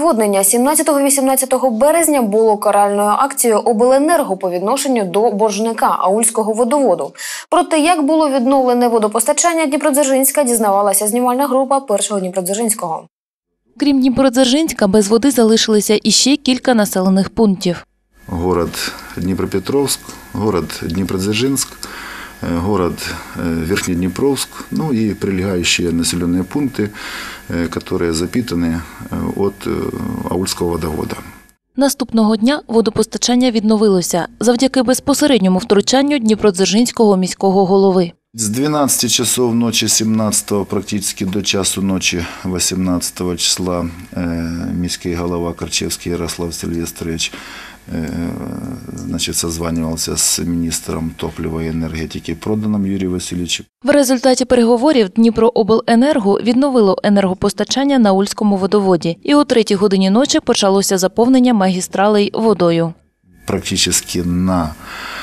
Наводнення 17-18 березня було каральною акцією обленерго по відношенню до боржника Аульського водоводу. Про те, як було відновлене водопостачання Дніпродзержинська, дізнавалася знімальна група Першого Дніпродзержинського. Крім Дніпродзержинська, без води залишилися іще кілька населених пунктів. Город Днепропетровск, город Дніпродзержинськ, город Верхнеднепровск, ну и прилегающие населенные пункты, которые запитаны от Аульского водовода. Наступного дня водопостачання відновилося завдяки безпосередньому втручанню Дніпродзержинського міського голови. С 12 часов ночи 17 практически до часу ночи 18 числа міський голова Карчевский Ярослав Сильвестрович созванивался с министром топлива и энергетики Проданом Юрием Васильевичем. В результаті переговорів Дніпрообленерго відновило енергопостачання на Аульському водоводі. І о 3-й годині ночі почалося заповнення магістралей водою. Практически на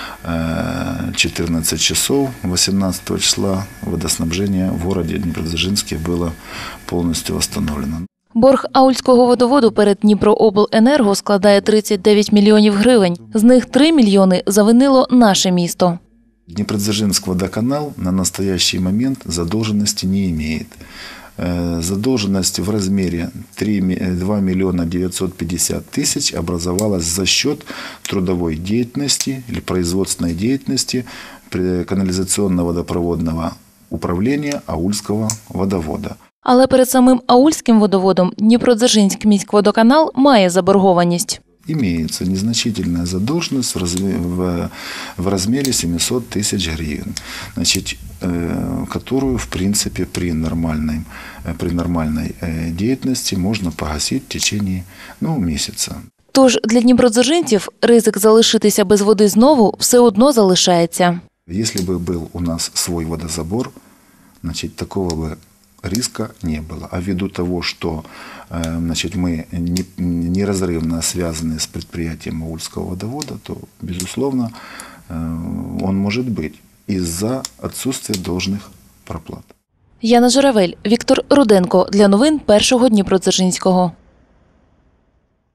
14 часов 18 числа водоснабжение в городе Дніпродзержинське было полностью восстановлено. Борг Аульського водоводу перед Дніпрообленерго складає 39 мільйонів гривень. З них 3 мільйони завинило наше місто. Дніпродзержинський водоканал на настоящий момент задолженности не имеет. Задолженность в размере 2 миллиона 950 тысяч образовалась за счет трудовой деятельности или производственной деятельности канализационно-водопроводного управления Аульского водовода. Але перед самим Аульським водоводом Дніпродзержинський міськводоканал має заборгованість. Имеется незначительная задолженность в размере 700 тысяч гривен, которую, в принципе, при нормальной деятельности можно погасить в течение месяца. Тож для дніпродзержинців ризик залишитися без води знову все одно залишається. Если бы был у нас свой водозабор, такого бы риска не было. А ввиду того, что мы неразрывно связаны с предприятием Аульского водовода, то, безусловно, он может быть из-за отсутствия должных проплат. Яна Журавель, Віктор Руденко. Для новин Першого Дніпродзержинського.